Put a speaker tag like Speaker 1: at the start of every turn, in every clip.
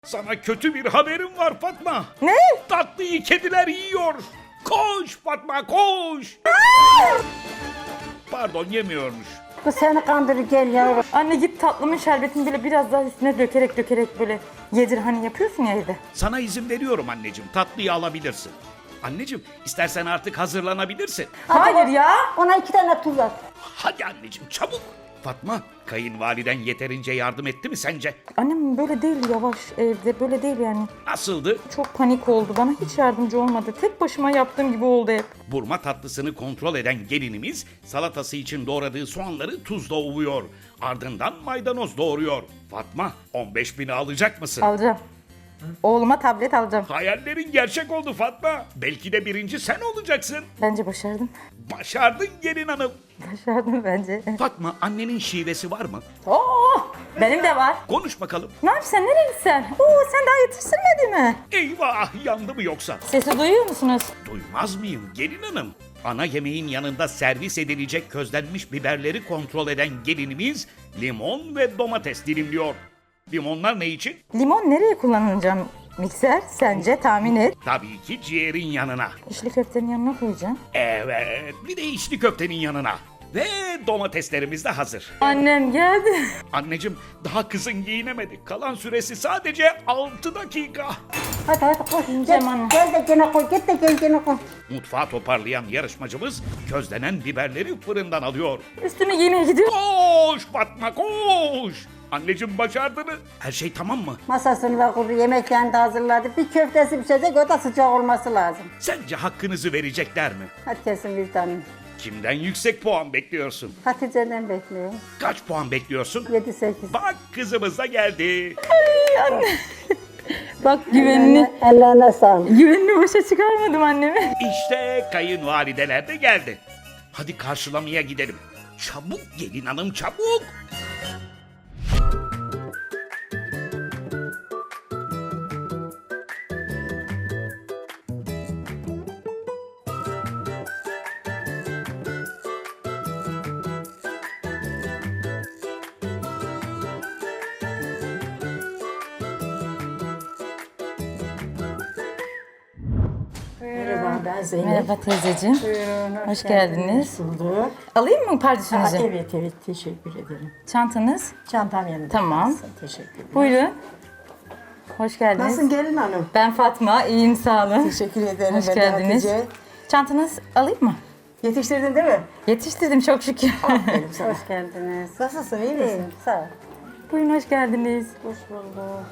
Speaker 1: Sana kötü bir haberim var Fatma.
Speaker 2: Ne?
Speaker 1: Tatlıyı kediler yiyor. Koş Fatma koş. Pardon yemiyormuş.
Speaker 3: Bu seni kandırır gel yavrum.
Speaker 2: Anne git tatlımın şerbetini böyle biraz daha üstüne dökerek böyle yedir hani yapıyorsun ya evde.
Speaker 1: Sana izin veriyorum anneciğim. Tatlıyı alabilirsin. Anneciğim istersen artık hazırlanabilirsin.
Speaker 2: Hayır ya.
Speaker 3: Ona 2 tane tuz at.
Speaker 1: Hadi anneciğim çabuk. Fatma kayınvaliden yeterince yardım etti mi sence?
Speaker 2: Annem böyle değil yavaş evde böyle değil yani.
Speaker 1: Nasıldı?
Speaker 2: Çok panik oldu bana hiç yardımcı olmadı. Tek başıma yaptığım gibi oldu hep.
Speaker 1: Burma tatlısını kontrol eden gelinimiz salatası için doğradığı soğanları tuzla ovuyor. Ardından maydanoz doğruyor. Fatma 15.000'i alacak mısın?
Speaker 2: Alacağım. Oğluma tablet alacağım.
Speaker 1: Hayallerin gerçek oldu Fatma. Belki de birinci sen olacaksın.
Speaker 2: Bence başardım.
Speaker 1: Başardın gelin hanım.
Speaker 2: Başardım bence.
Speaker 1: Fatma annenin şivesi var mı?
Speaker 2: Oo, benim de var.
Speaker 1: Konuş bakalım.
Speaker 2: Ne yapıyorsun? Nereye gitsen? Oo, sen daha yetiştirmedin mi?
Speaker 1: Eyvah yandı mı yoksa?
Speaker 2: Sesi duyuyor musunuz?
Speaker 1: Duymaz mıyım gelin hanım? Ana yemeğin yanında servis edilecek közlenmiş biberleri kontrol eden gelinimiz limon ve domates dilimliyor. Limonlar ne için?
Speaker 2: Limon nereye kullanacağım mikser? Sence tahmin et.
Speaker 1: Tabii ki ciğerin yanına.
Speaker 2: İçli köftenin yanına koyacağım.
Speaker 1: Evet, bir de içli köftenin yanına. Ve domateslerimiz de hazır.
Speaker 2: Annem geldi.
Speaker 1: Anneciğim daha kızın giyinemedi. Kalan süresi sadece 6 dakika.
Speaker 3: Hadi koş.
Speaker 2: Yiyeceğim anne.
Speaker 3: Gel de gene koy. Git de gel gene koy.
Speaker 1: Mutfağı toparlayan yarışmacımız közlenen biberleri fırından alıyor.
Speaker 2: Üstüne giymeye gidiyor.
Speaker 1: Koş Fatma koş. Anneciğim başardın mı? Her şey tamam mı?
Speaker 3: Masasını da kurdu. Yemeklerini de hazırladı. Bir köftesi pişecek. O da sıcak olması lazım.
Speaker 1: Sence hakkınızı verecekler mi?
Speaker 3: Hadi kesin bir tane.
Speaker 1: Kimden yüksek puan bekliyorsun?
Speaker 3: Hatice'den bekliyorum.
Speaker 1: Kaç puan bekliyorsun?
Speaker 3: 7-8.
Speaker 1: Bak kızımız da geldi.
Speaker 2: Bak güvenini,
Speaker 3: Ellerine sağlık.
Speaker 2: güvenini boşa çıkarmadım annemi.
Speaker 1: İşte kayınvalideler de geldi. Hadi karşılamaya gidelim. Çabuk gelin hanım çabuk.
Speaker 3: Merhaba ben Zeynep.
Speaker 2: Merhaba teyzeciğim.
Speaker 3: Buyurun,
Speaker 2: Hoş geldiniz.
Speaker 3: Bulduk.
Speaker 2: Alayım mı pardesünüzü?
Speaker 3: Evet teşekkür ederim.
Speaker 2: Çantanız.
Speaker 3: Çantam yanında.
Speaker 2: Tamam.
Speaker 3: kalsın, teşekkür ederim.
Speaker 2: Buyurun. Hoş geldiniz.
Speaker 3: Nasılsın gelin hanım?
Speaker 2: Ben Fatma, iyiyim sağ olun.
Speaker 3: Teşekkür ederim.
Speaker 2: Hoş
Speaker 3: ben de
Speaker 2: geldiniz.
Speaker 3: Hatice.
Speaker 2: Çantanız alayım mı?
Speaker 3: Yetiştirdin değil mi?
Speaker 2: Yetiştirdim çok şükür.
Speaker 3: Aferin sana.
Speaker 4: Hoş geldiniz.
Speaker 3: Nasılsın iyi misin?
Speaker 4: Sağ ol.
Speaker 2: Buyurun hoş geldiniz.
Speaker 4: Hoş bulduk.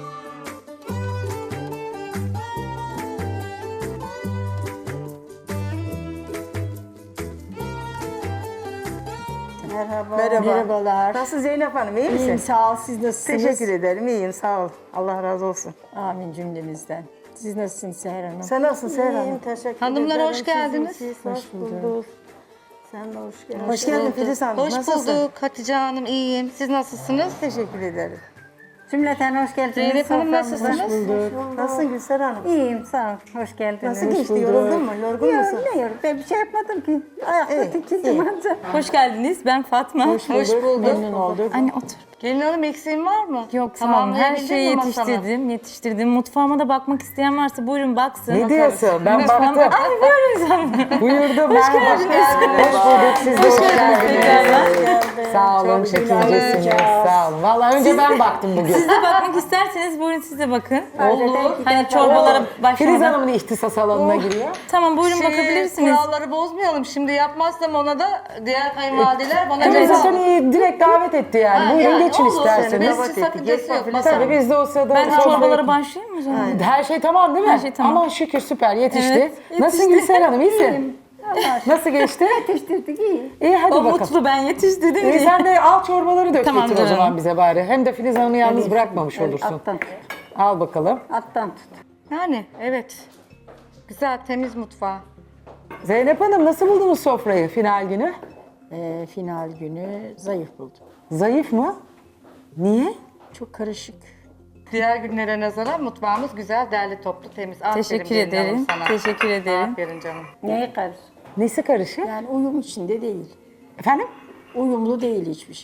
Speaker 4: Merhaba.
Speaker 3: Merhabalar. Nasılsın Zeynep Hanım iyi misin?
Speaker 4: İyiyim sağ ol. Siz nasılsınız?
Speaker 3: Teşekkür ederim iyiyim sağ ol. Allah razı olsun.
Speaker 4: Amin cümlemizden. Siz nasılsınız Seher Hanım?
Speaker 3: Sen nasılsın Seher Hanım?
Speaker 4: İyiyim teşekkür
Speaker 5: Hanımlar,
Speaker 4: ederim.
Speaker 5: hoş geldiniz.
Speaker 4: Siz hoş bulduk. Sen de hoş geldin.
Speaker 3: Hoş geldin Filiz Hanım.
Speaker 5: Hoş
Speaker 3: Nasılsın?
Speaker 5: bulduk Hatice Hanım, iyiyim. Siz nasılsınız?
Speaker 3: Teşekkür ederim.
Speaker 4: Cümleten hoş geldiniz.
Speaker 5: Zeynep Hanım,
Speaker 4: Soframıza.
Speaker 5: nasılsınız?
Speaker 4: Hoş bulduk.
Speaker 3: Nasılsın Gülser Hanım?
Speaker 4: İyiyim sağ ol. Hoş geldiniz.
Speaker 3: Nasıl geçti? Yoruldun mu? Yorgun musun?
Speaker 4: Yok ne yorgun. Ben bir şey yapmadım ki. Ayakta
Speaker 3: İyi,
Speaker 4: tikildim anca.
Speaker 2: Hoş geldiniz. Ben Fatma.
Speaker 5: Hoş bulduk.
Speaker 3: Memnun olduk.
Speaker 2: Anne otur.
Speaker 5: Gelin Hanım, eksiğin var mı?
Speaker 2: Yok sağ olun. Her
Speaker 5: Tamamlayabildin
Speaker 2: şeyi
Speaker 5: mi masanı?
Speaker 2: yetiştirdim. Mutfağıma da bakmak isteyen varsa buyurun baksın.
Speaker 6: Ne diyorsun? Ben
Speaker 2: Mutfağıma-
Speaker 6: baktım.
Speaker 2: Ay buyurun sen.
Speaker 6: Buyurdum ben. Hoş geldiniz. Hoş bulduk. Siz de hoş geldiniz. Sağ olun. Çekincesiniz. Sağ olun. Vallahi önce ben baktım bugün.
Speaker 2: Siz de bakmak isterseniz buyurun siz de bakın.
Speaker 4: Olur.
Speaker 2: Hani çorbalara
Speaker 6: Filiz
Speaker 2: başlamadan.
Speaker 6: Hanım'ın ihtisas alanına giriyor.
Speaker 2: Tamam buyurun bakabilirsiniz.
Speaker 5: Kuralları bozmayalım. Şimdi yapmazsam ona da diğer kayınvalideler bana
Speaker 6: Filiz
Speaker 5: ceza
Speaker 6: zaten iyi, direkt davet etti yani.
Speaker 5: Ha,
Speaker 6: Buyurun
Speaker 5: yani
Speaker 6: geçin
Speaker 5: olur.
Speaker 6: isterseniz.
Speaker 5: Biz sakıncası yok
Speaker 6: Tabii
Speaker 5: masanın.
Speaker 6: biz de o sırada
Speaker 2: Ben
Speaker 6: sofraya-
Speaker 2: çorbalara başlayayım mı o zaman?
Speaker 6: Her şey tamam değil mi?
Speaker 2: Her şey tamam.
Speaker 6: Aman şükür süper yetişti.
Speaker 2: Evet,
Speaker 6: Nasılsın
Speaker 2: yetişti.
Speaker 6: Gülser Hanım iyisin? Nasıl geçti?
Speaker 4: Yetiştirdik iyi.
Speaker 6: İyi hadi
Speaker 2: O
Speaker 6: bakalım.
Speaker 2: mutlu ben yetiştirdim
Speaker 6: İyi
Speaker 2: diye.
Speaker 6: sen de al çorbaları dök
Speaker 2: Tamam
Speaker 6: getir o
Speaker 2: canım.
Speaker 6: zaman bize bari. Hem de Filiz Hanım'ı yalnız bırakmamış olursun.
Speaker 4: Alttan tut.
Speaker 6: Al bakalım.
Speaker 4: Alttan tut.
Speaker 5: Yani evet. Güzel, temiz mutfağı.
Speaker 6: Zeynep Hanım nasıl buldunuz sofrayı final günü?
Speaker 4: Final günü zayıf buldum.
Speaker 6: Zayıf mı? Niye?
Speaker 4: Çok karışık.
Speaker 5: Diğer günlere nazaran mutfağımız güzel, derli toplu, temiz. Aferin
Speaker 2: Teşekkür
Speaker 5: gelin hanım
Speaker 2: ederim.
Speaker 5: sana.
Speaker 2: Teşekkür ederim.
Speaker 5: Aferin canım.
Speaker 4: Neye karışık?
Speaker 6: Nesi karışık?
Speaker 4: Yani uyum içinde değil.
Speaker 6: Efendim?
Speaker 4: Uyumlu değil hiçbir şey.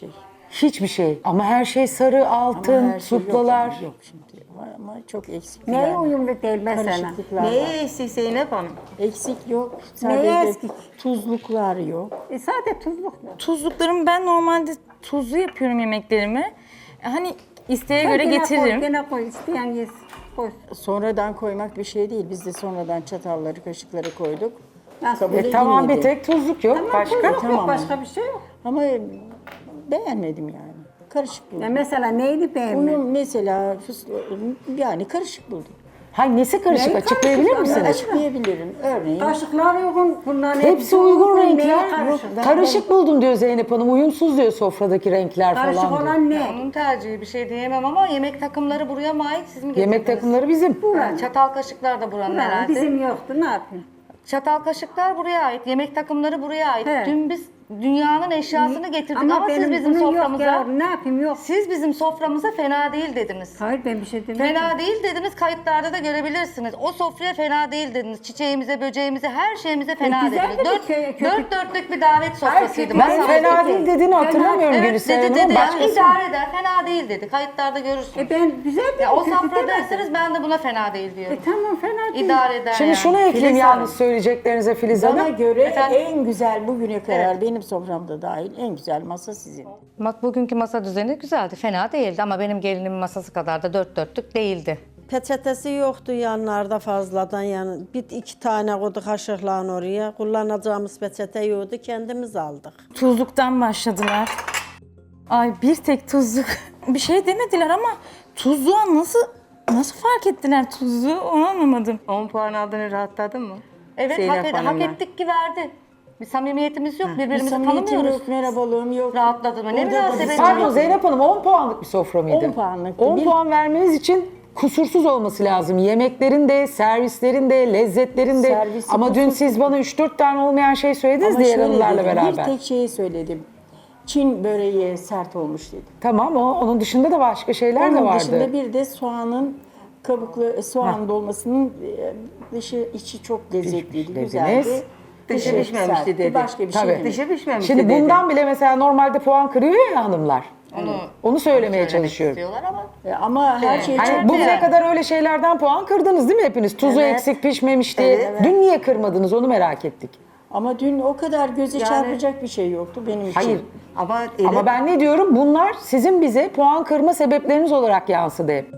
Speaker 6: Hiçbir şey. Ama her şey sarı, altın,
Speaker 4: Ama her şey
Speaker 6: suplalar.
Speaker 4: Yok şimdi. Ama çok eksik.
Speaker 3: Neye
Speaker 4: yani.
Speaker 3: uyumlu değil mesela?
Speaker 4: Karışıklıklar
Speaker 5: Neye
Speaker 4: var.
Speaker 5: eksik Zeynep Hanım?
Speaker 4: Eksik yok.
Speaker 3: Neye
Speaker 4: Sadece
Speaker 3: eksik?
Speaker 4: tuzluklar yok.
Speaker 3: Sade tuzluk.
Speaker 2: Tuzluklarımı ben normalde tuzlu yapıyorum yemeklerimi. Hani isteğe göre getiririm.
Speaker 3: Gene koy, isteyen yesin. Koy.
Speaker 4: Sonradan koymak bir şey değil. Biz de sonradan çatalları, kaşıkları koyduk.
Speaker 3: Nasıl?
Speaker 4: Kabul
Speaker 6: Tamam, bir
Speaker 4: edilmedi.
Speaker 6: tek tuzluk yok. Başka?
Speaker 3: Tuzluk
Speaker 4: Tamam.
Speaker 3: yok, başka bir şey yok.
Speaker 4: Ama beğenmedim yani. Karışık buldum.
Speaker 3: Ya mesela neyini beğenmedin?
Speaker 4: Uyum mesela yani karışık buldum.
Speaker 6: Hay nesi karışık?
Speaker 3: Neyi
Speaker 6: Açıklayabilir
Speaker 3: karışık?
Speaker 6: misiniz?
Speaker 4: Açıklayabilirim. Örneğin
Speaker 3: Kaşıklar uygun, bunların
Speaker 6: Hepsi uygun
Speaker 3: Neye
Speaker 6: renkler.
Speaker 3: karışık?
Speaker 6: Karışık buldum diyor Zeynep Hanım. Uyumsuz diyor sofradaki renkler
Speaker 3: Karışık
Speaker 6: falan diyor.
Speaker 3: olan ne?
Speaker 5: Onun tercihi bir şey diyemem ama yemek takımları buraya mı ait siz mi getirdiniz?
Speaker 6: Yemek takımları bizim.
Speaker 5: Ha, çatal kaşıklar da buranın
Speaker 3: Ulan
Speaker 5: herhalde.
Speaker 3: bizim yoktu, ne yapayım?
Speaker 5: Çatal kaşıklar buraya ait, yemek takımları buraya ait.
Speaker 3: He.
Speaker 5: Dün biz dünyanın eşyasını getirdik ama siz
Speaker 3: benim
Speaker 5: bizim
Speaker 3: bunun
Speaker 5: soframıza...
Speaker 3: Yok ya, ne yapayım yok.
Speaker 5: Siz bizim soframıza fena değil dediniz.
Speaker 3: Hayır ben bir şey demedim.
Speaker 5: Fena değil dediniz, kayıtlarda da görebilirsiniz. O sofraya fena değil dediniz. Çiçeğimize, böceğimize, her şeyimize fena
Speaker 3: güzel
Speaker 5: dediniz.
Speaker 3: dedik, kötü.
Speaker 5: Dört dörtlük bir davet sofrasıydı.
Speaker 6: Ben
Speaker 5: Masal.
Speaker 6: fena değil dediğini hatırlamıyorum
Speaker 5: Evet
Speaker 6: Gülseren
Speaker 5: dedi
Speaker 6: Hanım.
Speaker 5: dedi. Yani
Speaker 6: Başkası.
Speaker 5: idare eder, fena değil dedi. Kayıtlarda görürsünüz.
Speaker 3: Ben güzel dedim,
Speaker 5: Ya o
Speaker 3: kötü
Speaker 5: sofra
Speaker 3: demedim.
Speaker 5: derseniz ben de buna fena değil diyorum.
Speaker 3: Tamam fena değil.
Speaker 5: İdare eder
Speaker 6: Şimdi
Speaker 5: yani.
Speaker 6: şunu ekleyeyim
Speaker 4: Filiz
Speaker 6: yalnız
Speaker 4: Hanım.
Speaker 6: söyleyeceklerinize Filiz
Speaker 4: bana
Speaker 6: Hanım.
Speaker 4: göre
Speaker 5: Efendim?
Speaker 4: en güzel bugüne kadar benim soframda dahil en güzel masa sizin.
Speaker 7: Bak bugünkü masa düzeni güzeldi, fena değildi ama benim gelinimin masası kadar da dört dörtlük değildi.
Speaker 8: Peçetesi yoktu yanlarda fazladan yani bir iki tane koydu kaşıkla oraya. Kullanacağımız peçete yoktu kendimiz aldık.
Speaker 2: Tuzluktan başladılar. Ay bir tek tuzluk. Bir şey demediler ama tuzluğa nasıl fark ettiler tuzluğu onu anlamadım.
Speaker 5: 10 puan aldığını rahatladın mı? Evet
Speaker 4: Zeynep
Speaker 5: hak
Speaker 4: Hanım'la.
Speaker 5: ettik ki verdi. Bir samimiyetimiz yok,
Speaker 4: Bir
Speaker 5: birbirimizi
Speaker 4: samimiyetim
Speaker 5: tanımıyoruz.
Speaker 4: yok, merhabalığım yok.
Speaker 5: Rahatladı mı? Ne
Speaker 4: Burada
Speaker 5: münasebet.
Speaker 6: Pardon Zeynep Hanım 10 puanlık bir sofra mıydı?
Speaker 4: 10 puanlıktı.
Speaker 6: 10
Speaker 4: Bir-
Speaker 6: puan vermeniz için kusursuz olması lazım. Yemeklerin de, servislerin de, lezzetlerin de.
Speaker 4: Servisi
Speaker 6: Ama dün
Speaker 4: kusursuz.
Speaker 6: siz bana 3-4 tane olmayan şey söylediniz
Speaker 4: Ama
Speaker 6: diğer
Speaker 4: şöyle
Speaker 6: hanımlarla
Speaker 4: dedim,
Speaker 6: beraber.
Speaker 4: bir tek şeyi söyledim. Çin böreği sert olmuş dedim.
Speaker 6: Tamam onun dışında da başka şeyler de
Speaker 4: Onun
Speaker 6: vardı.
Speaker 4: dışında bir de soğanın kabuklu soğan dolmasının dışı içi çok lezzetliydi,
Speaker 6: Pişmiş
Speaker 4: güzeldi.
Speaker 6: dediniz.
Speaker 5: Dışı
Speaker 4: Dışı
Speaker 5: pişmemişti
Speaker 4: sertti,
Speaker 5: dedi.
Speaker 4: başka bir şey
Speaker 6: Tabii.
Speaker 4: demedim.
Speaker 5: Dışı pişmemiş
Speaker 6: Şimdi
Speaker 5: dedi.
Speaker 6: bundan bile mesela normalde puan kırıyor ya hanımlar. Onu söylemeye çalışıyorum.
Speaker 5: İstiyorlar ama.
Speaker 4: Ama her şey çok
Speaker 6: Hani bugüne kadar öyle şeylerden puan kırdınız değil mi hepiniz? Tuzu eksik pişmemişti. Dün niye kırmadınız onu merak ettik.
Speaker 4: Ama dün o kadar göze çarpacak bir şey yoktu benim için.
Speaker 6: Hayır.
Speaker 5: Ama
Speaker 6: Ama ben ne diyorum? Bunlar sizin bize puan kırma sebepleriniz olarak yansıdı hep.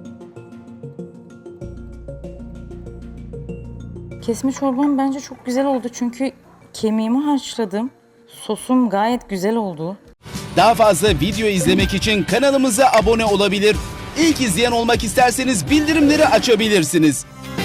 Speaker 2: Kesme çorbam bence çok güzel oldu çünkü kemiğimi haşladım. Sosum gayet güzel oldu.
Speaker 9: Daha fazla video izlemek için kanalımıza abone olabilir. İlk izleyen olmak isterseniz bildirimleri açabilirsiniz.